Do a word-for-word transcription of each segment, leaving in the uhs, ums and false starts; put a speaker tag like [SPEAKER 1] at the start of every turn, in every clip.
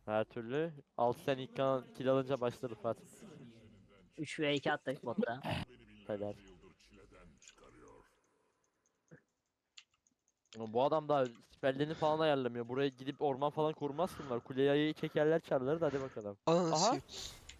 [SPEAKER 1] Her türlü. Altı sen ilk kan kill alınca başladı Rıfat.
[SPEAKER 2] üç ve iki attık botta.
[SPEAKER 1] Helal. Ama bu adam daha spellerini falan ayarlamıyor. Buraya gidip orman falan kurmaz bunlar. Kuleye ayıyı çekerler çarlar da hadi bakalım.
[SPEAKER 3] Ananı
[SPEAKER 1] Aha.
[SPEAKER 3] sikeyim.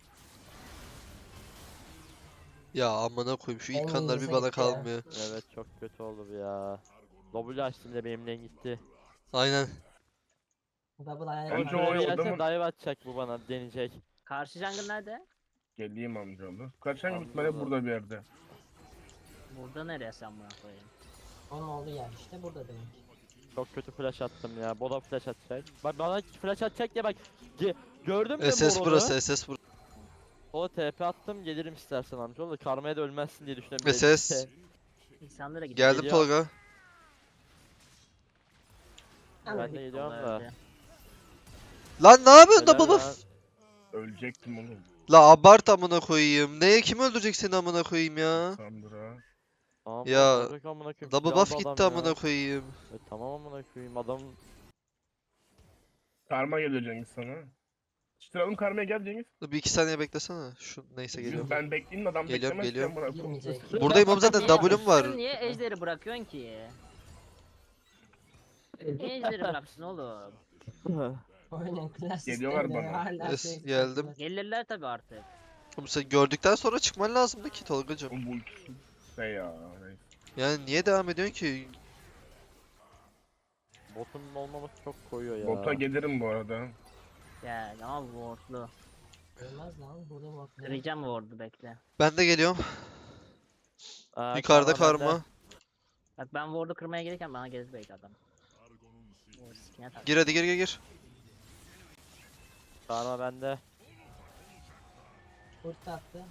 [SPEAKER 3] Ya amına koyayım şu ilk
[SPEAKER 4] En
[SPEAKER 3] kanlar bir
[SPEAKER 4] iyisi
[SPEAKER 3] bana
[SPEAKER 4] gitti ya.
[SPEAKER 3] kalmıyor.
[SPEAKER 1] Evet çok kötü oldu bu ya. W açtım da benimle gitti.
[SPEAKER 3] Aynen.
[SPEAKER 4] Double ayağına
[SPEAKER 5] Önce
[SPEAKER 1] Önce
[SPEAKER 5] o
[SPEAKER 4] kaldı.
[SPEAKER 1] öyle gelse
[SPEAKER 5] adamın-
[SPEAKER 1] dive atacak bu bana deneyecek.
[SPEAKER 2] Karşı jungle nerede?
[SPEAKER 5] Geleyim amcaoğlu. Kaçan
[SPEAKER 1] Amcaoğlu.
[SPEAKER 5] gitmeli burada bir yerde.
[SPEAKER 2] Burada nereye sen buna koyayım?
[SPEAKER 4] Onun olduğu yer işte burada demek.
[SPEAKER 1] Çok kötü flash attım ya. Bola flash atacak. Bak bana flash atacak diye bak. Ge gördün mü
[SPEAKER 3] S S
[SPEAKER 1] Moron'u?
[SPEAKER 3] burası S S burası.
[SPEAKER 1] O T P attım gelirim istersen amcaoğlu. Karmaya da ölmezsin diye düşünüyorum.
[SPEAKER 3] S S.
[SPEAKER 2] İnsanlara gidiyor.
[SPEAKER 3] Geldim
[SPEAKER 1] Geliyor.
[SPEAKER 3] Tolga.
[SPEAKER 1] Ben de geliyorum da.
[SPEAKER 3] Lan ne yapıyorsun
[SPEAKER 1] Helal
[SPEAKER 3] double
[SPEAKER 1] lan.
[SPEAKER 3] buff?
[SPEAKER 5] Ölecektim oğlum.
[SPEAKER 3] La abart amına koyayım. Neye kim öldürecek seni amına koyayım ya?
[SPEAKER 5] Sandra.
[SPEAKER 1] Aa,
[SPEAKER 3] Ya,
[SPEAKER 1] olacak amına koyayım,
[SPEAKER 3] Double
[SPEAKER 1] kill
[SPEAKER 3] buff
[SPEAKER 1] aldı
[SPEAKER 3] gitti
[SPEAKER 1] adam ya.
[SPEAKER 3] amına koyayım.
[SPEAKER 1] E, tamam amına koyayım adam.
[SPEAKER 5] Karma geliyor Cengiz sana. Çıtıralım karmaya gel Cengiz.
[SPEAKER 3] Dur bir iki saniye beklesene. Şu neyse geliyorum.
[SPEAKER 5] Ben bekleyeyim adam
[SPEAKER 3] Geliyorum,
[SPEAKER 5] beklemez.
[SPEAKER 3] geliyorum.
[SPEAKER 5] sen bırak.
[SPEAKER 4] Girmeyecek.
[SPEAKER 3] Buradayım oğlum zaten
[SPEAKER 2] Niye-
[SPEAKER 3] W'm var.
[SPEAKER 2] Sen niye ejderi bırakıyorsun ki? Niye ejderi bıraksın oğlum?
[SPEAKER 4] Oyunun klas
[SPEAKER 5] Geliyorlar
[SPEAKER 4] sistemleri
[SPEAKER 5] bana.
[SPEAKER 4] hala
[SPEAKER 3] Yes,
[SPEAKER 4] şey
[SPEAKER 3] geldim.
[SPEAKER 4] sıkıntılı.
[SPEAKER 2] Gelirler tabi artık.
[SPEAKER 3] Oğlum sen gördükten sonra çıkman lazımdı ki Tolgacım.
[SPEAKER 5] Bu ultisi. Şey ya. neyse.
[SPEAKER 3] Yani niye devam ediyorsun ki?
[SPEAKER 1] Botun olmaması çok koyuyor ya.
[SPEAKER 5] Bota gelirim bu arada.
[SPEAKER 2] Gel ama wardlu.
[SPEAKER 4] Ölmez lan burada bak.
[SPEAKER 2] Kıracağım ward'u bekle.
[SPEAKER 3] Ben de geliyorum.
[SPEAKER 1] Aa,
[SPEAKER 3] Yukarıda
[SPEAKER 1] karma bende.
[SPEAKER 3] karma.
[SPEAKER 2] Bak ben ward'u kırmaya gelirken bana gelir belki adam. O sikine tak.
[SPEAKER 3] Gir hadi gir gir gir.
[SPEAKER 1] Karma bende.
[SPEAKER 4] Kurt attı.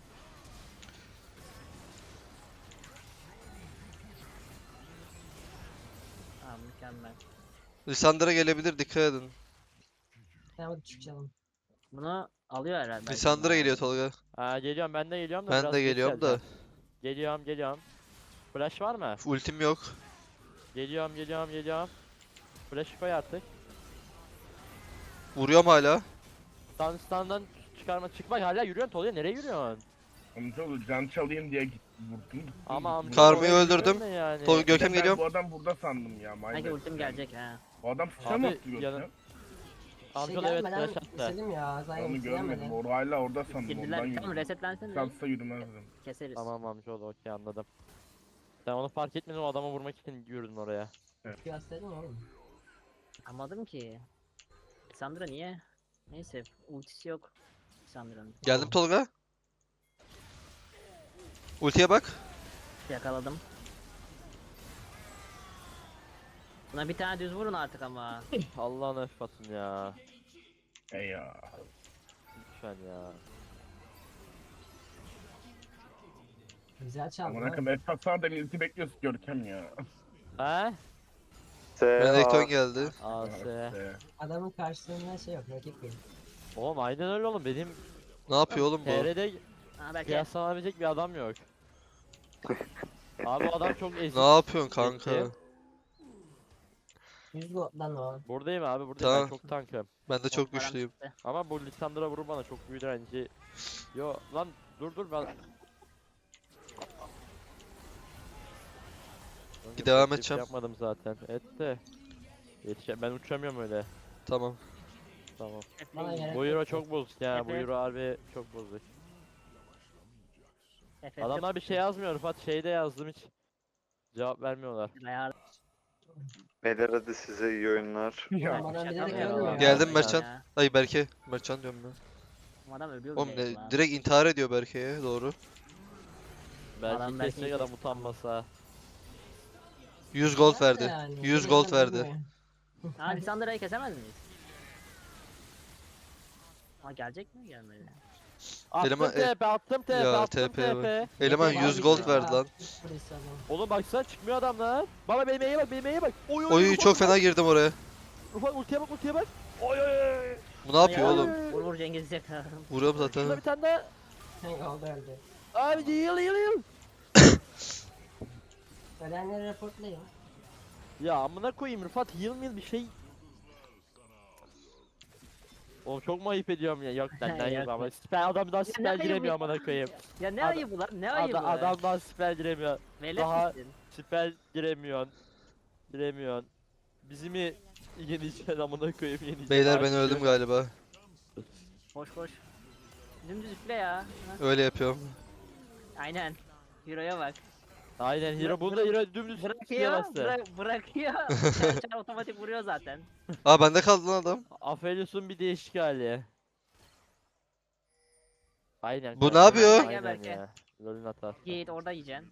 [SPEAKER 2] Tamam mükemmel.
[SPEAKER 3] Lissandra gelebilir dikkat edin.
[SPEAKER 4] Tamam hadi çıkalım.
[SPEAKER 2] Bunu alıyor herhalde. belki
[SPEAKER 3] Lissandra
[SPEAKER 2] bunlar.
[SPEAKER 3] geliyor Tolga.
[SPEAKER 1] Aa, geliyorum ben de geliyorum da
[SPEAKER 3] Ben
[SPEAKER 1] biraz
[SPEAKER 3] de
[SPEAKER 1] geç
[SPEAKER 3] geliyorum da.
[SPEAKER 1] geleceğim. Geliyorum geliyorum. Flash var mı?
[SPEAKER 3] Ultim yok.
[SPEAKER 1] Geliyorum geliyorum geliyorum. Flash koy artık.
[SPEAKER 3] Vuruyorum hala.
[SPEAKER 1] Stand standdan çıkarma çıkmak hala yürüyorsun Tolga nereye yürüyorsun?
[SPEAKER 5] Amcaoğlu can çalayım diye git, vurdum.
[SPEAKER 1] Ama amca
[SPEAKER 3] Karmayı
[SPEAKER 1] oraya
[SPEAKER 3] öldürdüm.
[SPEAKER 1] yürüyorsun Yani.
[SPEAKER 3] Tolga Görkem
[SPEAKER 5] Ben
[SPEAKER 3] geliyorum.
[SPEAKER 5] Bu adam burada sandım ya. my
[SPEAKER 2] Sanki
[SPEAKER 5] bad.
[SPEAKER 2] ultim gelecek ha.
[SPEAKER 5] Bu adam sıçra
[SPEAKER 1] Abi,
[SPEAKER 5] mı attı
[SPEAKER 1] yanı-
[SPEAKER 5] Görkem?
[SPEAKER 1] Amca
[SPEAKER 4] şey
[SPEAKER 1] da evet
[SPEAKER 4] gelmeden
[SPEAKER 1] flash attı.
[SPEAKER 4] istedim ya. Zaten
[SPEAKER 5] Onu görmedim.
[SPEAKER 4] isteyemedim.
[SPEAKER 5] Or hala orada sandım. Ondan
[SPEAKER 2] Girdiler. Tamam
[SPEAKER 5] yürüdüm.
[SPEAKER 2] resetlensene.
[SPEAKER 5] Kalksa yürümezdim.
[SPEAKER 2] Keseriz.
[SPEAKER 1] Tamam amca oldu okey anladım. Sen onu fark etmedin o adamı vurmak için yürüdün oraya.
[SPEAKER 4] Gösterdim oğlum.
[SPEAKER 2] Anladım ki. Sandra niye? Neyse ultisi yok. Sandra'nın.
[SPEAKER 3] Geldim Tolga. Ultiye bak.
[SPEAKER 2] Yakaladım. Buna bir tane düz vurun artık ama.
[SPEAKER 1] Allah'ın effatın ya.
[SPEAKER 5] Ey ya.
[SPEAKER 1] Lütfen ya.
[SPEAKER 4] Güzel çaldı.
[SPEAKER 5] Amına
[SPEAKER 4] lan.
[SPEAKER 5] koyayım. Esat sana da milleti bekliyorsun Görkem ya.
[SPEAKER 1] He?
[SPEAKER 3] Renekton geldi.
[SPEAKER 1] A S.
[SPEAKER 5] Ee,
[SPEAKER 4] Adamın karşısında şey yok. Rakip yok.
[SPEAKER 1] Oğlum aynen öyle oğlum benim
[SPEAKER 3] Ne yapıyor oğlum bu?
[SPEAKER 1] T R'de
[SPEAKER 2] Ha belki.
[SPEAKER 1] kıyaslanabilecek bir adam yok. Abi o adam çok ezik.
[SPEAKER 3] Ne yapıyorsun kanka?
[SPEAKER 1] Peki.
[SPEAKER 4] yüz gold'dan o.
[SPEAKER 1] Buradayım abi buradayım
[SPEAKER 3] Tamam.
[SPEAKER 1] ben çok tankım.
[SPEAKER 3] Ben de çok
[SPEAKER 2] Param
[SPEAKER 3] güçlüyüm.
[SPEAKER 2] çıktı.
[SPEAKER 1] Ama bu Lissandra vurur bana çok büyük direnci. Yo lan dur dur ben.
[SPEAKER 3] Bir devam
[SPEAKER 1] Çok
[SPEAKER 3] edeceğim.
[SPEAKER 1] Yapmadım zaten. Et de. Yetişe ben uçamıyorum öyle.
[SPEAKER 3] Tamam.
[SPEAKER 1] Tamam.
[SPEAKER 4] Bana gerek
[SPEAKER 1] Bu
[SPEAKER 4] yok.
[SPEAKER 1] euro çok bozuk ya. Bu
[SPEAKER 2] Evet.
[SPEAKER 1] euro harbi çok bozuk.
[SPEAKER 2] F F
[SPEAKER 1] Adamlar bir şey yazmıyor Rıfat şeyde yazdım hiç. Cevap vermiyorlar.
[SPEAKER 2] Ayar-
[SPEAKER 6] Beyler hadi size iyi oyunlar.
[SPEAKER 5] ya.
[SPEAKER 4] Bana
[SPEAKER 2] Şaka
[SPEAKER 4] bilerek
[SPEAKER 2] mı
[SPEAKER 4] ölmüyor.
[SPEAKER 2] ya?
[SPEAKER 3] Geldim
[SPEAKER 2] Ya.
[SPEAKER 3] Mertcan. Ay Berke. Mertcan diyorum ben.
[SPEAKER 2] Bu adam ölüyor
[SPEAKER 3] Oğlum
[SPEAKER 2] bile
[SPEAKER 3] ne,
[SPEAKER 2] lan.
[SPEAKER 3] direkt intihar ediyor Berke'ye doğru.
[SPEAKER 1] Belki
[SPEAKER 2] Adam belki
[SPEAKER 1] kesecek adam utanmasa.
[SPEAKER 3] yüz gold
[SPEAKER 4] Nerede
[SPEAKER 3] verdi.
[SPEAKER 4] yani?
[SPEAKER 3] yüz
[SPEAKER 4] Bir
[SPEAKER 3] gold
[SPEAKER 4] yerden
[SPEAKER 3] verdi.
[SPEAKER 4] ölmüyor.
[SPEAKER 2] Ha Lissandra'yı kesemez miyiz? Ha gelecek mi gelmedi?
[SPEAKER 1] Attım
[SPEAKER 3] Eleman-
[SPEAKER 1] T P attım T P
[SPEAKER 3] Ya,
[SPEAKER 1] attım
[SPEAKER 3] T P
[SPEAKER 1] T P.
[SPEAKER 3] Eleman
[SPEAKER 4] Yeter
[SPEAKER 3] yüz
[SPEAKER 4] abi
[SPEAKER 3] gold
[SPEAKER 4] ya.
[SPEAKER 3] verdi lan.
[SPEAKER 4] Polis adam.
[SPEAKER 1] Oğlum baksana çıkmıyor adamlar. Baba benim E'ye bak benim E'ye bak. Oy oy
[SPEAKER 3] Oy
[SPEAKER 1] Rıfat,
[SPEAKER 3] çok
[SPEAKER 1] Rıfat.
[SPEAKER 3] fena girdim oraya.
[SPEAKER 1] Rıfat ultiye bak ultiye bak. Oy oy oy.
[SPEAKER 3] Bu ne yapıyor
[SPEAKER 2] Ay,
[SPEAKER 3] oğlum?
[SPEAKER 2] Vur vur Cengiz yakaladım.
[SPEAKER 3] Vuruyorum
[SPEAKER 1] Şurada
[SPEAKER 3] zaten.
[SPEAKER 1] bir tane daha.
[SPEAKER 4] Hangi oldu öldü.
[SPEAKER 1] Abi yıl yıl yıl.
[SPEAKER 4] Ölenleri raportlayın.
[SPEAKER 1] Ya amına koyayım Rıfat yıl mı yıl bir şey. Oğlum çok mu ayıp ediyorum ya? Yok benden yok
[SPEAKER 2] Yok,
[SPEAKER 1] ama.
[SPEAKER 2] yok.
[SPEAKER 1] Siper adamdan
[SPEAKER 2] ne
[SPEAKER 1] siper
[SPEAKER 2] ayıbı
[SPEAKER 1] giremiyor
[SPEAKER 2] ya?
[SPEAKER 1] amına koyayım.
[SPEAKER 2] Ya ne
[SPEAKER 1] Ada-
[SPEAKER 2] ayıbı lan? Ne ayıbı?
[SPEAKER 1] Ada, adamdan siper giremiyor.
[SPEAKER 2] Velet
[SPEAKER 1] daha-
[SPEAKER 2] misin?
[SPEAKER 1] Siper giremiyorsun. Giremiyorsun. Bizi mi yeneceksin amına koyayım yeneceksin.
[SPEAKER 3] Beyler ben
[SPEAKER 1] Artık
[SPEAKER 3] öldüm
[SPEAKER 1] yok.
[SPEAKER 3] galiba.
[SPEAKER 2] Koş koş. Dümdüz üfle ya. Ha,
[SPEAKER 3] Öyle yapıyorum.
[SPEAKER 2] aynen. Hero'ya bak.
[SPEAKER 1] Aynen hero
[SPEAKER 2] Bırak-
[SPEAKER 1] bunda hero dümdüz üstüne
[SPEAKER 2] Bırakıyor,
[SPEAKER 1] bastı.
[SPEAKER 2] bırak, bırakıyor. Çar çar otomatik vuruyor zaten.
[SPEAKER 3] Aa bende kaldı lan adam.
[SPEAKER 1] Aphelios'un bir değişik hali. Aynen.
[SPEAKER 3] Bu ne
[SPEAKER 1] kanka,
[SPEAKER 3] yapıyor?
[SPEAKER 1] Aynen
[SPEAKER 2] Gel belki.
[SPEAKER 1] ya. LoL'ün hatası.
[SPEAKER 2] Git orada yiyeceksin.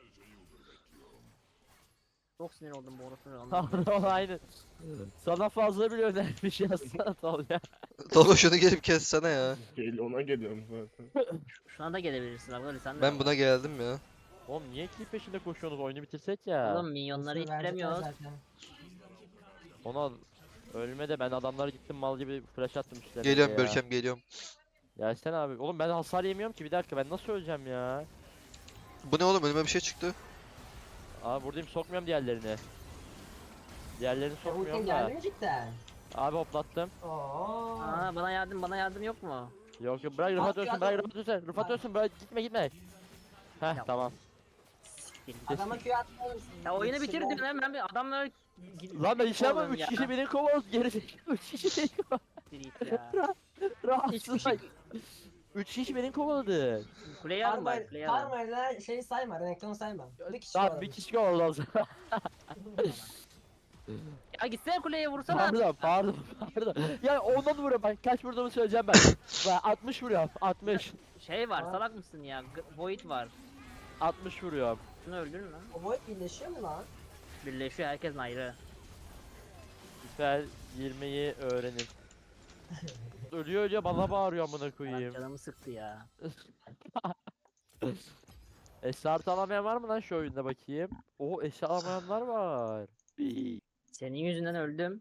[SPEAKER 2] Çok sinir oldum bu orasını
[SPEAKER 1] Pardon aynen. Sana fazla bile önermiş yazsana Tolga.
[SPEAKER 3] Tolga şunu gelip kessene ya.
[SPEAKER 5] Gel ona geliyorum zaten.
[SPEAKER 2] Şuna da gelebilirsin abi öyle sen de.
[SPEAKER 3] Ben buna geldim ya.
[SPEAKER 1] Oğlum niye kill peşinde koşuyorsunuz? Oyunu bitirsek ya.
[SPEAKER 2] Oğlum minyonları
[SPEAKER 4] Nasıl verecekler
[SPEAKER 2] ittiremiyoruz.
[SPEAKER 4] zaten.
[SPEAKER 1] Ona ölme de ben adamlara gittim mal gibi flash attım üstlerine
[SPEAKER 3] Geliyorum
[SPEAKER 1] ya.
[SPEAKER 3] Görkem geliyorum.
[SPEAKER 1] Gelsene abi. Oğlum ben hasar yemiyorum ki bir dakika ben nasıl öleceğim ya?
[SPEAKER 3] Bu ne oğlum önüme bir şey çıktı.
[SPEAKER 1] Abi buradayım sokmuyorum diğerlerini. Diğerlerini
[SPEAKER 4] Ya ultin
[SPEAKER 1] sokmuyorum
[SPEAKER 4] geldi
[SPEAKER 1] da.
[SPEAKER 4] mi cidden?
[SPEAKER 1] Abi hoplattım.
[SPEAKER 4] Oo.
[SPEAKER 2] Aa bana yardım bana yardım yok mu?
[SPEAKER 1] Yok yok bırak Rıfat
[SPEAKER 4] Abi,
[SPEAKER 1] ölsün
[SPEAKER 4] adam-
[SPEAKER 1] bırak Rıfat ölsün. Rıfat
[SPEAKER 4] Abi.
[SPEAKER 1] ölsün bırak gitme gitme. Heh
[SPEAKER 2] Ya.
[SPEAKER 1] tamam.
[SPEAKER 2] Siktir git.
[SPEAKER 4] Adama Q atmalısın. şey
[SPEAKER 2] Ya oyunu bitir diyorsun hemen bir adamlar
[SPEAKER 1] Lan ben işe ama
[SPEAKER 2] Oğlum
[SPEAKER 1] üç
[SPEAKER 2] ya.
[SPEAKER 1] kişi beni kovaladı geri zekalı üç kişi beni kovaladı.
[SPEAKER 2] Siktir git ya.
[SPEAKER 1] Rahatsız.
[SPEAKER 2] şey-
[SPEAKER 1] üç kişi beni kovaladı.
[SPEAKER 2] Kuleyi alın bari
[SPEAKER 4] Karma,
[SPEAKER 2] kuleyi alın.
[SPEAKER 4] karmayla şeyi sayma, Renekton'u sayma. Bir kişi
[SPEAKER 1] Tamam
[SPEAKER 4] var
[SPEAKER 1] bir
[SPEAKER 4] orada.
[SPEAKER 1] kişi kovaladı o zaman.
[SPEAKER 2] Ya gitsene kuleye vursana.
[SPEAKER 1] Pardon pardon pardon. Ya ondan vuruyorum ben kaç vurduğumu söyleyeceğim ben. Ben altmış vuruyorum altmış.
[SPEAKER 2] Şey var
[SPEAKER 4] Aa.
[SPEAKER 2] salak mısın ya? G- Void var.
[SPEAKER 1] altmış vuruyorum.
[SPEAKER 2] Şunu öldürün lan.
[SPEAKER 4] O boy birleşiyor mu lan?
[SPEAKER 2] Birleşiyor herkes ayrı.
[SPEAKER 1] Süper girmeyi öğrenin. Ölüyor ölüyor bana bağırıyor amına
[SPEAKER 2] Ulan
[SPEAKER 1] koyayım.
[SPEAKER 2] canımı sıktı ya.
[SPEAKER 1] Esart alamayan var mı lan şu oyunda bakayım? Oo eşya alamayanlar var.
[SPEAKER 2] Senin yüzünden öldüm.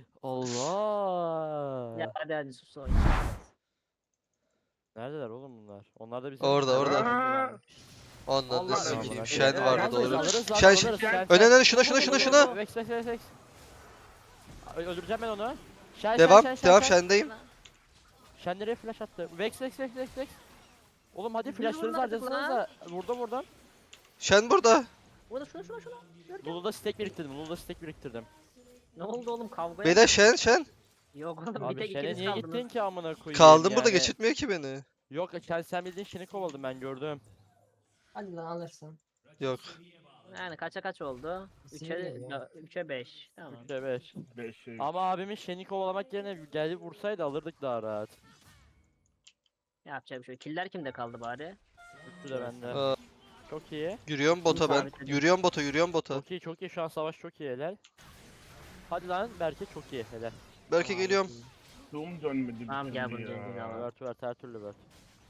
[SPEAKER 1] Allah.
[SPEAKER 2] Ya hadi hadi sus oyna.
[SPEAKER 1] Neredeler oğlum bunlar? Onlar da bizim
[SPEAKER 3] Orada, orada.
[SPEAKER 5] Aa!
[SPEAKER 3] Ondan
[SPEAKER 2] Allah
[SPEAKER 3] da
[SPEAKER 2] Allah.
[SPEAKER 3] sikeyim.
[SPEAKER 1] Allah.
[SPEAKER 3] Şen
[SPEAKER 1] Ee,
[SPEAKER 3] vardı
[SPEAKER 1] alırız,
[SPEAKER 3] doğru.
[SPEAKER 1] alırız lan,
[SPEAKER 3] Şen
[SPEAKER 1] alırız, şen,
[SPEAKER 3] Öne
[SPEAKER 1] şen.
[SPEAKER 3] öne şuna şuna şuna şuna.
[SPEAKER 1] Vex vex vex vex. Ö- Öldüreceğim ben onu. Şen
[SPEAKER 3] Devam
[SPEAKER 1] şen şen
[SPEAKER 3] devam
[SPEAKER 1] şen. şen.
[SPEAKER 3] Şen'deyim.
[SPEAKER 1] Şen nereye flash attı? Vex vex vex vex vex. Oğlum hadi
[SPEAKER 2] Biz
[SPEAKER 1] flashlarınızı
[SPEAKER 2] vurmadık
[SPEAKER 1] harcasanız da. Vurdum vurdum.
[SPEAKER 3] Şen burada.
[SPEAKER 2] Burada şuna şuna şuna.
[SPEAKER 1] Lulu'da stack biriktirdim. Lulu'da stack biriktirdim.
[SPEAKER 2] Ne oldu oğlum kavga
[SPEAKER 3] Beyler Şen Şen.
[SPEAKER 2] Yok oğlum bir
[SPEAKER 1] Abi
[SPEAKER 2] tek
[SPEAKER 1] Şen'e
[SPEAKER 2] ikiniz
[SPEAKER 1] niye
[SPEAKER 2] kaldınız.
[SPEAKER 1] gittin ki amına koyayım
[SPEAKER 3] Kaldım burada
[SPEAKER 1] yani?
[SPEAKER 3] geçirtmiyor ki beni.
[SPEAKER 1] Yok sen, sen bildiğin Şen'i kovaladım ben gördüm.
[SPEAKER 4] Hadi lan alırsın.
[SPEAKER 3] Yok.
[SPEAKER 2] Yani kaça kaç oldu?
[SPEAKER 4] Sinir
[SPEAKER 2] üçe
[SPEAKER 4] geliyor.
[SPEAKER 2] üçe beş. Tamam.
[SPEAKER 1] üçe beş.
[SPEAKER 5] Beş şey.
[SPEAKER 1] Ama abimin Şen'i kovalamak yerine gelip vursaydı alırdık daha rahat.
[SPEAKER 2] Yapacak bir şey. yok. Killer kimde kaldı bari?
[SPEAKER 1] Üçü de bende.
[SPEAKER 3] Aa,
[SPEAKER 1] Çok iyi.
[SPEAKER 3] yürüyorum bota ben.
[SPEAKER 2] sabitledim.
[SPEAKER 3] Yürüyorum bota yürüyorum bota.
[SPEAKER 1] Çok iyi çok iyi şu an savaş çok iyi helal. Hadi lan Berke çok iyi helal.
[SPEAKER 3] Belki geliyorum.
[SPEAKER 5] Zoom dönmedi bir
[SPEAKER 2] Tamam, gel
[SPEAKER 5] türlü
[SPEAKER 2] bunu, gel,
[SPEAKER 5] ya.
[SPEAKER 2] gel, al.
[SPEAKER 1] Vert vert her türlü vert.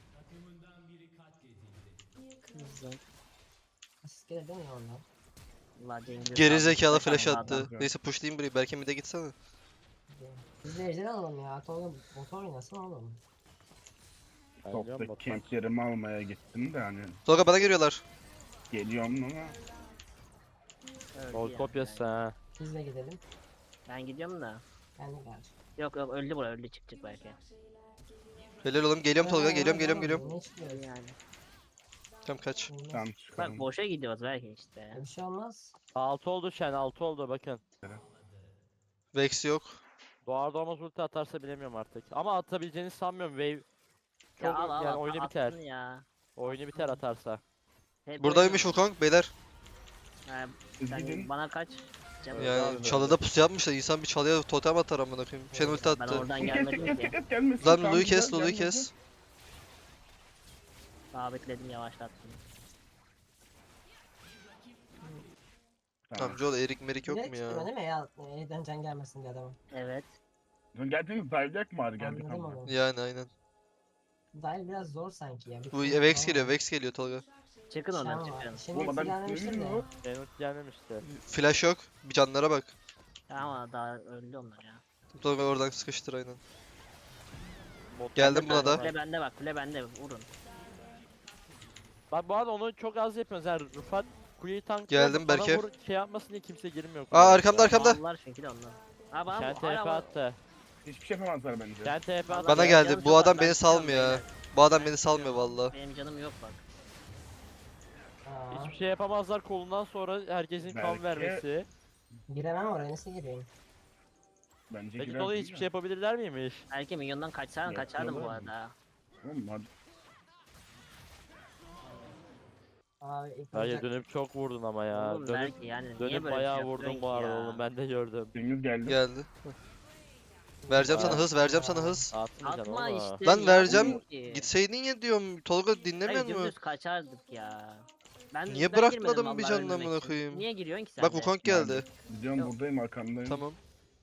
[SPEAKER 4] Asist gelir değil mi ya ondan?
[SPEAKER 2] Allah Cengiz
[SPEAKER 3] Geri
[SPEAKER 2] abi,
[SPEAKER 3] zekalı
[SPEAKER 2] kaçan
[SPEAKER 3] flash
[SPEAKER 2] bir
[SPEAKER 3] attı.
[SPEAKER 2] adam.
[SPEAKER 3] Neyse pushlayayım burayı. Belki mid'e gitsene.
[SPEAKER 4] Biz de ejderi alalım ya. Tolga bot oynasın oğlum.
[SPEAKER 1] Ben biliyorum
[SPEAKER 5] Topta
[SPEAKER 1] bottan.
[SPEAKER 5] kemplerimi almaya gittim de hani
[SPEAKER 3] Tolga bana geliyorlar.
[SPEAKER 5] geliyorum ama
[SPEAKER 2] Öldü
[SPEAKER 1] Gol
[SPEAKER 2] yani.
[SPEAKER 1] kopyası ha.
[SPEAKER 4] Biz de gidelim.
[SPEAKER 2] Ben gidiyorum da.
[SPEAKER 4] Ben de gel.
[SPEAKER 2] Yok yok öldü bura öldü çık çık belki.
[SPEAKER 3] Helal oğlum geliyorum Tolga geliyorum geliyorum geliyorum.
[SPEAKER 4] Ne çıkıyor
[SPEAKER 2] Yani.
[SPEAKER 3] Tamam kaç.
[SPEAKER 5] tam
[SPEAKER 2] Bak
[SPEAKER 5] çıkarım.
[SPEAKER 2] boşa gidiyoruz belki işte.
[SPEAKER 4] Bir şey olmaz.
[SPEAKER 1] altı oldu Şen altı oldu bakın.
[SPEAKER 3] Vex yok.
[SPEAKER 1] Doğar doğmaz ulti atarsa bilemiyorum artık. Ama atabileceğini sanmıyorum wave. Çok
[SPEAKER 2] Ya al al
[SPEAKER 1] yani
[SPEAKER 2] al,
[SPEAKER 1] oyunu
[SPEAKER 2] atsın
[SPEAKER 1] biter.
[SPEAKER 2] Ya.
[SPEAKER 1] Oyunu biter atarsa.
[SPEAKER 2] Hep
[SPEAKER 3] Buradaymış
[SPEAKER 2] oyunu-
[SPEAKER 3] Wukong beyler.
[SPEAKER 2] Ha,
[SPEAKER 5] Siz
[SPEAKER 2] sen
[SPEAKER 5] gidin.
[SPEAKER 2] bana kaç? Canım
[SPEAKER 1] Ya-
[SPEAKER 3] Yani
[SPEAKER 1] abi,
[SPEAKER 3] çalıda pusu yapmışlar. İnsan bir çalıya totem atar amına koyayım. Şen ulti
[SPEAKER 2] ben
[SPEAKER 3] attı.
[SPEAKER 2] oradan
[SPEAKER 5] Kes kes
[SPEAKER 2] gelmedim
[SPEAKER 5] kes
[SPEAKER 2] ki.
[SPEAKER 5] kes gelmesin.
[SPEAKER 3] Lan
[SPEAKER 5] Tamam,
[SPEAKER 3] Lulu'yu
[SPEAKER 5] güzel,
[SPEAKER 3] kes Lulu'yu
[SPEAKER 5] gelmedi.
[SPEAKER 3] kes.
[SPEAKER 2] Sabitledim yavaşlattım.
[SPEAKER 3] Tamam Joel Erik Merik yok
[SPEAKER 4] Direkt
[SPEAKER 3] mu
[SPEAKER 4] çıkıyor
[SPEAKER 3] ya?
[SPEAKER 4] değil mi ya? E'den can gelmesin diye adamın.
[SPEAKER 2] Evet.
[SPEAKER 5] Dün geldiniz Zaydak mı var geldik
[SPEAKER 4] Anladım
[SPEAKER 5] ama.
[SPEAKER 4] onu.
[SPEAKER 3] Yani aynen.
[SPEAKER 4] Dahil biraz zor sanki ya. Bir
[SPEAKER 3] Bu
[SPEAKER 4] şey
[SPEAKER 3] Vex
[SPEAKER 4] falan
[SPEAKER 3] geliyor
[SPEAKER 4] var.
[SPEAKER 3] Vex geliyor Tolga.
[SPEAKER 2] Çıkın
[SPEAKER 4] Şen
[SPEAKER 2] oradan
[SPEAKER 4] var.
[SPEAKER 2] çıkın.
[SPEAKER 4] Şimdi
[SPEAKER 5] Oğlum adam
[SPEAKER 4] gelmemiştir
[SPEAKER 5] görüyor
[SPEAKER 4] de.
[SPEAKER 5] mu?
[SPEAKER 1] Ben ulti gelmemişti.
[SPEAKER 3] Flash yok. Bir canlara bak.
[SPEAKER 2] Ama daha öldü onlar ya.
[SPEAKER 3] Tolga oradan sıkıştır aynen.
[SPEAKER 1] Bot-
[SPEAKER 3] Geldim buna da.
[SPEAKER 2] Kule bende bak kule bende vurun.
[SPEAKER 1] Bak bu arada onu çok az yapıyoruz. Yani Rıfat kuleyi tank
[SPEAKER 3] Geldim Berke.
[SPEAKER 1] Vur, şey yapmasın diye kimse girmiyor.
[SPEAKER 3] Aa
[SPEAKER 1] kuleye.
[SPEAKER 3] arkamda arkamda.
[SPEAKER 2] Mallar çünkü de onlar. Ha bana
[SPEAKER 1] Şen
[SPEAKER 2] bu-
[SPEAKER 1] T F
[SPEAKER 2] hala bu-
[SPEAKER 1] attı.
[SPEAKER 5] Hiçbir şey yapamazlar bence.
[SPEAKER 1] Sen T P at.
[SPEAKER 3] Bana
[SPEAKER 2] Benim
[SPEAKER 3] geldi.
[SPEAKER 2] canım
[SPEAKER 3] Bu
[SPEAKER 2] çok
[SPEAKER 3] adam
[SPEAKER 2] var,
[SPEAKER 3] beni
[SPEAKER 2] ben
[SPEAKER 3] salmıyor
[SPEAKER 2] çıkıyorum
[SPEAKER 3] ha.
[SPEAKER 2] beyler.
[SPEAKER 3] Bu adam
[SPEAKER 2] Ben
[SPEAKER 3] beni salmıyor
[SPEAKER 2] çıkıyorum.
[SPEAKER 3] valla.
[SPEAKER 2] Benim canım yok bak.
[SPEAKER 4] Aa,
[SPEAKER 1] Hiçbir şey yapamazlar kolundan sonra herkesin kan
[SPEAKER 5] Belki-
[SPEAKER 1] vermesi.
[SPEAKER 4] giremem oraya nasıl gireyim?
[SPEAKER 5] Bence
[SPEAKER 1] Peki
[SPEAKER 5] girer
[SPEAKER 1] dolayı
[SPEAKER 5] değil
[SPEAKER 1] hiçbir
[SPEAKER 5] mi?
[SPEAKER 1] şey yapabilirler miymiş?
[SPEAKER 2] Belki minyondan kaçsam
[SPEAKER 5] Yok,
[SPEAKER 2] kaçardım bu
[SPEAKER 5] yok.
[SPEAKER 2] arada.
[SPEAKER 5] Oğlum hadi.
[SPEAKER 4] Abi ilk
[SPEAKER 1] Hayır
[SPEAKER 4] olacak.
[SPEAKER 1] dönüp çok vurdun ama ya.
[SPEAKER 2] Oğlum
[SPEAKER 1] Dönüp,
[SPEAKER 2] belki yani niye
[SPEAKER 1] dönüp
[SPEAKER 2] böyle bir
[SPEAKER 1] bayağı
[SPEAKER 2] şey
[SPEAKER 1] vurdun
[SPEAKER 2] yapıyorsun
[SPEAKER 1] bu
[SPEAKER 2] ki
[SPEAKER 1] arada
[SPEAKER 2] ya?
[SPEAKER 1] oğlum ben de gördüm.
[SPEAKER 5] Cengiz geldi.
[SPEAKER 3] Geldi. Vereceğim sana
[SPEAKER 1] Aa.
[SPEAKER 3] hız, vereceğim sana hız.
[SPEAKER 1] Atmayacaksın
[SPEAKER 2] Atma
[SPEAKER 1] ama.
[SPEAKER 2] işte.
[SPEAKER 3] Lan vereceğim.
[SPEAKER 2] yapmıyor ki.
[SPEAKER 3] Gitseydin ya diyorum. Tolga dinlemiyor
[SPEAKER 2] Hayır
[SPEAKER 3] mu?
[SPEAKER 2] dümdüz kaçardık ya. Ben,
[SPEAKER 3] Niye
[SPEAKER 2] ben
[SPEAKER 3] bırakmadın
[SPEAKER 2] girmedim
[SPEAKER 3] bir
[SPEAKER 2] vallahi
[SPEAKER 3] canını
[SPEAKER 2] ölmemek
[SPEAKER 3] amına
[SPEAKER 2] için.
[SPEAKER 3] koyayım?
[SPEAKER 2] Niye giriyorsun ki sen
[SPEAKER 3] Bak
[SPEAKER 2] de?
[SPEAKER 3] Wukong geldi.
[SPEAKER 5] Gidiyorum
[SPEAKER 2] Yok.
[SPEAKER 5] buradayım arkandayım.
[SPEAKER 3] Tamam.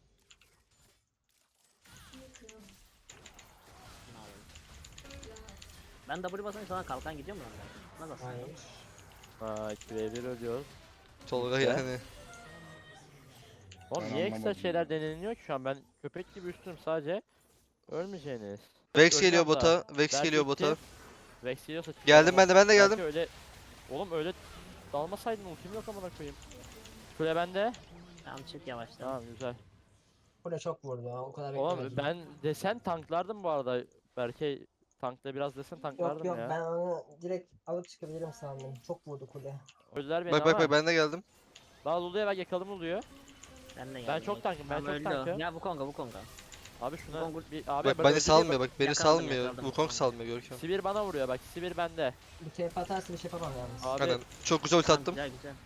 [SPEAKER 2] Ben W basınca sana kalkan gidiyor mu lan? Nasıl aslında?
[SPEAKER 4] Hayır.
[SPEAKER 1] Ha iki ve bir ölüyoruz.
[SPEAKER 3] Tolga
[SPEAKER 1] Ya.
[SPEAKER 3] yani.
[SPEAKER 1] Oğlum
[SPEAKER 5] Ben
[SPEAKER 1] niye ekstra
[SPEAKER 5] anlamadım
[SPEAKER 1] şeyler
[SPEAKER 5] ya.
[SPEAKER 1] deneniyor ki şu an ben köpek gibi üstüm sadece. Ölmeyeceğiniz.
[SPEAKER 3] Vex
[SPEAKER 1] Öleceğim
[SPEAKER 3] geliyor
[SPEAKER 1] daha.
[SPEAKER 3] bota. Vex
[SPEAKER 1] Belki
[SPEAKER 3] geliyor
[SPEAKER 1] iki-
[SPEAKER 3] bota.
[SPEAKER 1] Vex geliyorsa çıkacağım
[SPEAKER 3] Geldim
[SPEAKER 1] ama
[SPEAKER 3] ben de ben de
[SPEAKER 1] belki
[SPEAKER 3] geldim.
[SPEAKER 1] Öyle... Oğlum öyle dalmasaydın ultim yok amına koyayım. Kule bende.
[SPEAKER 2] Tamam çık yavaştan.
[SPEAKER 1] Tamam güzel.
[SPEAKER 4] Kule çok vurdu ha, o kadar
[SPEAKER 1] Oğlum
[SPEAKER 4] beklemedim.
[SPEAKER 1] ben desen tanklardım bu arada. Berke tankta biraz desen
[SPEAKER 4] Yok
[SPEAKER 1] tanklardım
[SPEAKER 4] yok
[SPEAKER 1] ya.
[SPEAKER 4] ben onu direkt alıp çıkabilirim sandım. Çok vurdu kule.
[SPEAKER 1] Öldüler beni
[SPEAKER 3] Bak bak
[SPEAKER 1] ama.
[SPEAKER 3] bak ben de geldim.
[SPEAKER 1] Daha Lulu'ya bak yakalım Lulu'yu.
[SPEAKER 2] Ben de
[SPEAKER 1] Ben
[SPEAKER 2] geldim.
[SPEAKER 1] çok tankım ben
[SPEAKER 2] Tamam,
[SPEAKER 1] çok
[SPEAKER 2] öldü o.
[SPEAKER 1] tankım.
[SPEAKER 2] Ya bu konga bu konga.
[SPEAKER 1] Abi şuna
[SPEAKER 2] Kongur-
[SPEAKER 1] bir abi
[SPEAKER 3] Bak
[SPEAKER 1] bak
[SPEAKER 3] beni
[SPEAKER 1] öldü
[SPEAKER 3] salmıyor bak beni
[SPEAKER 2] Yakaladım,
[SPEAKER 3] salmıyor.
[SPEAKER 2] yakaladım.
[SPEAKER 3] Wukong salmıyor Görkem.
[SPEAKER 1] Sibir bana vuruyor bak Sibir bende.
[SPEAKER 4] Bir kere atarsa bir şey yapamam yalnız.
[SPEAKER 1] Abi
[SPEAKER 3] Aynen. Çok güzel ulti
[SPEAKER 2] Tamam,
[SPEAKER 3] attım.
[SPEAKER 2] güzel güzel.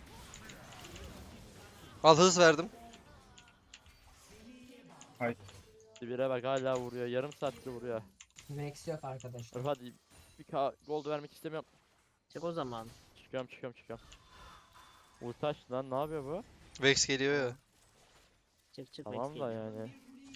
[SPEAKER 3] Al hız verdim.
[SPEAKER 1] Sibir'e bak hala vuruyor. Yarım saattir vuruyor.
[SPEAKER 4] Vex yok arkadaşlar.
[SPEAKER 1] Dur hadi bir K gold vermek istemiyorum.
[SPEAKER 2] Çık o zaman.
[SPEAKER 1] Çıkıyorum çıkıyorum çıkıyorum. Ulti açtı lan ne yapıyor bu?
[SPEAKER 3] Vex geliyor ya.
[SPEAKER 2] Çık çık.
[SPEAKER 1] Tamam
[SPEAKER 2] Vex
[SPEAKER 1] da
[SPEAKER 2] geliyor.
[SPEAKER 1] yani.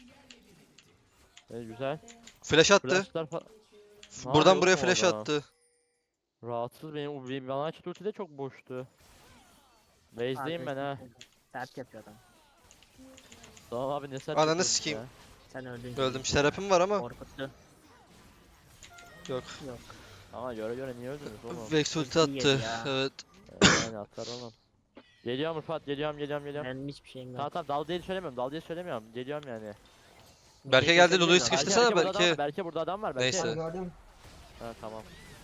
[SPEAKER 1] E, güzel.
[SPEAKER 3] Flash attı.
[SPEAKER 1] Flashlar fa- Ne
[SPEAKER 3] Buradan
[SPEAKER 1] yapıyor
[SPEAKER 3] buraya
[SPEAKER 1] oğlum
[SPEAKER 3] flash
[SPEAKER 1] orada?
[SPEAKER 3] attı.
[SPEAKER 1] Rahatsız benim o bir- bana açtı ulti de çok boştu. Base'deyim ben ha.
[SPEAKER 2] Arkadaşlar, Sert yapıyor adam.
[SPEAKER 1] Tamam abi ne sert
[SPEAKER 3] Ananı
[SPEAKER 1] yapıyorsun
[SPEAKER 3] sikeyim.
[SPEAKER 1] ya.
[SPEAKER 2] Sen öldün.
[SPEAKER 3] Öldüm. Terapim var ama.
[SPEAKER 2] Korkuttu.
[SPEAKER 3] Yok.
[SPEAKER 2] Yok.
[SPEAKER 1] Ama göre göre niye öldünüz oğlum?
[SPEAKER 3] Vex ulti
[SPEAKER 2] Ulti yedi
[SPEAKER 3] attı.
[SPEAKER 2] ya.
[SPEAKER 3] Evet.
[SPEAKER 1] Ee, yani atar oğlum. Geliyorum Rıfat geliyorum geliyorum geliyorum.
[SPEAKER 2] Benim hiçbir şeyim yok.
[SPEAKER 1] Tamam tamam dal diye söylemiyorum dal diye söylemiyorum. Geliyorum yani.
[SPEAKER 3] Berke
[SPEAKER 2] Şey
[SPEAKER 3] geldi,
[SPEAKER 2] kesebilir
[SPEAKER 3] Lulu'yu
[SPEAKER 2] miyim?
[SPEAKER 3] sıkıştırsana
[SPEAKER 1] burada adam
[SPEAKER 3] belki.
[SPEAKER 1] var, Berke burada adam var. Berke.
[SPEAKER 3] Neyse.
[SPEAKER 4] Ben gördüm.
[SPEAKER 1] Ha tamam.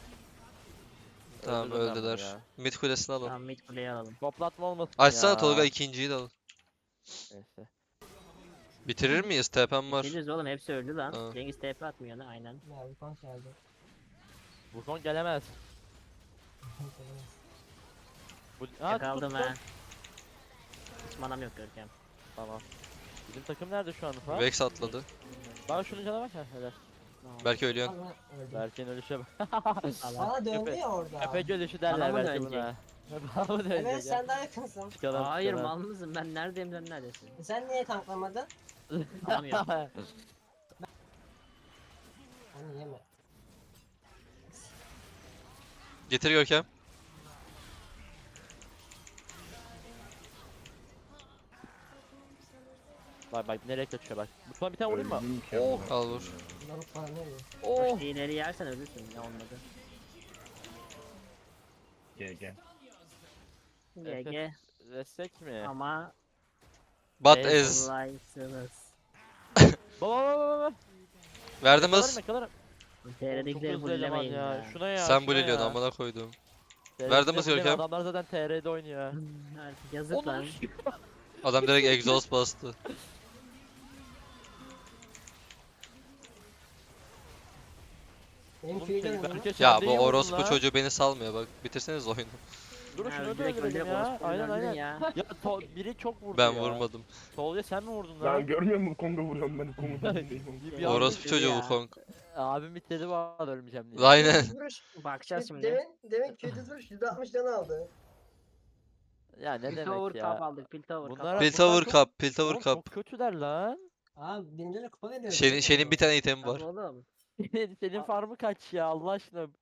[SPEAKER 3] Tamam
[SPEAKER 1] Öldürdüm ben bunu
[SPEAKER 3] öldüler.
[SPEAKER 1] ya.
[SPEAKER 3] Mid kulesini alın.
[SPEAKER 2] Tamam mid kuleyi alalım.
[SPEAKER 1] Toplatma olmasın
[SPEAKER 3] Açsana
[SPEAKER 1] ya.
[SPEAKER 3] Tolga ikinciyi de alın.
[SPEAKER 1] Neyse.
[SPEAKER 3] Bitirir miyiz? T P'm var.
[SPEAKER 2] Geliriz oğlum hepsi öldü lan.
[SPEAKER 3] Ha.
[SPEAKER 2] Cengiz T P atmıyor ne aynen.
[SPEAKER 4] Ya bir konk geldi.
[SPEAKER 1] Wukong gelemez. Bu... Ha,
[SPEAKER 2] Yakaladım
[SPEAKER 1] tuttum.
[SPEAKER 2] ha. Hiç manam yok Görkem.
[SPEAKER 1] Tamam. Bizim takım nerede şu an Rıfat?
[SPEAKER 3] Vex atladı.
[SPEAKER 1] Bak şunun cana bak. Ha, helal.
[SPEAKER 2] Tamam.
[SPEAKER 3] Belki ölüyorsun.
[SPEAKER 4] Ama öldü.
[SPEAKER 1] Berke'nin ölüşe bak.
[SPEAKER 2] Allah.
[SPEAKER 4] Bana döndü
[SPEAKER 1] Köpek-
[SPEAKER 4] ya orada.
[SPEAKER 1] Köpek ölüşü
[SPEAKER 2] Bana
[SPEAKER 1] derler
[SPEAKER 2] mı
[SPEAKER 1] belki
[SPEAKER 2] dönecek?
[SPEAKER 1] buna. Bana mı dönecek
[SPEAKER 4] Evet
[SPEAKER 1] ya?
[SPEAKER 4] sen daha yakınsın.
[SPEAKER 1] Çıkalım,
[SPEAKER 2] Hayır
[SPEAKER 1] çıkalım.
[SPEAKER 2] mal mısın? Ben neredeyim sen neredesin?
[SPEAKER 4] Sen niye tanklamadın?
[SPEAKER 2] Alamıyorum.
[SPEAKER 4] Onu yeme.
[SPEAKER 3] Getir Görkem.
[SPEAKER 1] Bak bak nereye kaçıyor bak. Buna bir tane vurayım mı?
[SPEAKER 5] Öldüm ki
[SPEAKER 1] Oh.
[SPEAKER 5] ama.
[SPEAKER 3] Al vur.
[SPEAKER 4] Lavuk bana ne diyor?
[SPEAKER 1] Oh.
[SPEAKER 2] Koş ileri yersen ölürsün ya olmadı.
[SPEAKER 5] Gel gel.
[SPEAKER 1] Evet.
[SPEAKER 2] G G
[SPEAKER 1] Destek mi?
[SPEAKER 2] ama
[SPEAKER 3] Bat
[SPEAKER 1] Ez.
[SPEAKER 3] ez.
[SPEAKER 2] kolaysınız.
[SPEAKER 1] Baba baba baba.
[SPEAKER 3] Verdim
[SPEAKER 1] Yakalarım
[SPEAKER 3] hız.
[SPEAKER 1] yakalarım. Çok
[SPEAKER 2] T R'dekileri
[SPEAKER 1] hızlı eleman
[SPEAKER 2] bullemeyin ya.
[SPEAKER 1] ya. Şuna ya.
[SPEAKER 3] Sen
[SPEAKER 1] şuna
[SPEAKER 3] buliliyorsun
[SPEAKER 1] ya.
[SPEAKER 3] amına koydum.
[SPEAKER 1] T R'de
[SPEAKER 3] Verdim hız
[SPEAKER 1] bulleyen
[SPEAKER 3] Görkem.
[SPEAKER 1] Adamlar zaten T R'de oynuyor.
[SPEAKER 2] Artık yazık lan.
[SPEAKER 3] Adam direkt exhaust bastı.
[SPEAKER 4] Benim
[SPEAKER 1] Oğlum
[SPEAKER 4] köyü
[SPEAKER 1] şey,
[SPEAKER 4] dönüyor.
[SPEAKER 1] Berke sen
[SPEAKER 3] Ya
[SPEAKER 1] de
[SPEAKER 3] bu
[SPEAKER 1] iyi vurdun
[SPEAKER 3] orospu
[SPEAKER 1] lan.
[SPEAKER 3] çocuğu beni salmıyor bak. Bitirseniz oyunu.
[SPEAKER 1] Dur
[SPEAKER 2] Ya
[SPEAKER 1] şunu da
[SPEAKER 2] direkt
[SPEAKER 1] öldürelim
[SPEAKER 2] öldürek
[SPEAKER 1] ya.
[SPEAKER 2] orospu
[SPEAKER 1] Aynen
[SPEAKER 2] öldürdün
[SPEAKER 1] aynen.
[SPEAKER 2] ya.
[SPEAKER 1] Ya to- biri çok vurdu
[SPEAKER 3] Ben
[SPEAKER 1] ya.
[SPEAKER 3] vurmadım.
[SPEAKER 1] Tolga sen mi vurdun
[SPEAKER 5] Lan
[SPEAKER 1] lan?
[SPEAKER 5] görmüyor musun Kongo vuruyorum ben Kongo'dan değilim.
[SPEAKER 1] Bir- bir anda
[SPEAKER 3] Orospu
[SPEAKER 1] bitirdi
[SPEAKER 3] çocuğu
[SPEAKER 2] ya.
[SPEAKER 3] Wukong.
[SPEAKER 1] Abim bitirdi bu arada ölmeyeceğim diye.
[SPEAKER 3] Aynen.
[SPEAKER 4] Vuruş.
[SPEAKER 2] Bakacağız şimdi.
[SPEAKER 4] Demin, demin köy düz vuruş yüzde altmış can aldı.
[SPEAKER 1] Ya ne
[SPEAKER 2] Piltover
[SPEAKER 1] demek
[SPEAKER 2] Cup
[SPEAKER 1] ya.
[SPEAKER 2] aldık. Piltover Cup.
[SPEAKER 1] Bunlara-
[SPEAKER 3] Piltover
[SPEAKER 1] çok-
[SPEAKER 3] Cup, Piltover
[SPEAKER 1] Oğlum
[SPEAKER 3] Cup.
[SPEAKER 1] çok kötüler lan.
[SPEAKER 4] Abi birinci kupa veriyor.
[SPEAKER 3] Şen'in Şen'in bir tane itemi
[SPEAKER 2] Tamam
[SPEAKER 3] var.
[SPEAKER 2] oğlum.
[SPEAKER 1] Senin, senin farmı kaç ya Allah aşkına.